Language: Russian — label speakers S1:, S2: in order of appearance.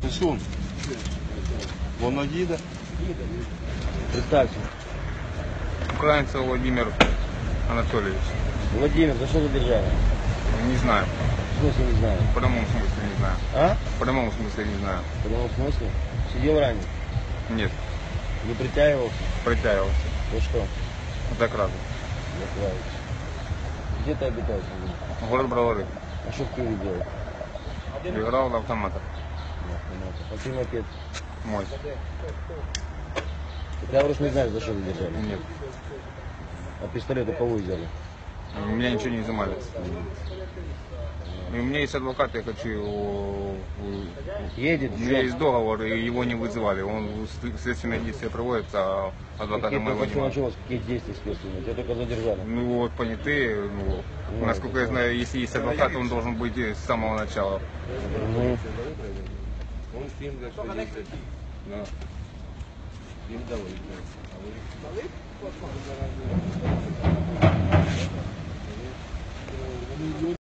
S1: Писун. Воно їде.
S2: Представься.
S3: Украинцев Владимир Анатольевич.
S2: Владимир, за что задержали?
S3: Не знаю.
S2: В смысле не знаю?
S3: В прямом смысле не знаю.
S2: А?
S3: В прямом смысле не знаю.
S2: В прямом смысле? Сидел ранее?
S3: Нет.
S2: Не притягивался?
S3: Притягивался.
S2: За что?
S3: За кражу.
S2: Закрывается. Где ты обитаешь?
S3: Город Бровары.
S2: А что в Киеве делать?
S3: Играл в автоматах.
S2: А ты мопед?
S3: Мой.
S2: Ты говоришь, не знаешь, за что задержали?
S3: Нет.
S2: А пистолет у кого взяли?
S3: У меня ничего не изымали. И у меня есть адвокат, я хочу...
S2: Едет?
S3: У меня есть договор, и его не вызывали. Он следственное действие проводится, а адвоката
S2: Какие
S3: моего
S2: только
S3: нет.
S2: началось, какие действия следственные? Тебя только задержали.
S3: Ну вот понятые, насколько я знаю, если есть адвокат, он должен быть с самого начала.
S2: Ну,
S1: Он всім для що їздить. Їм дали.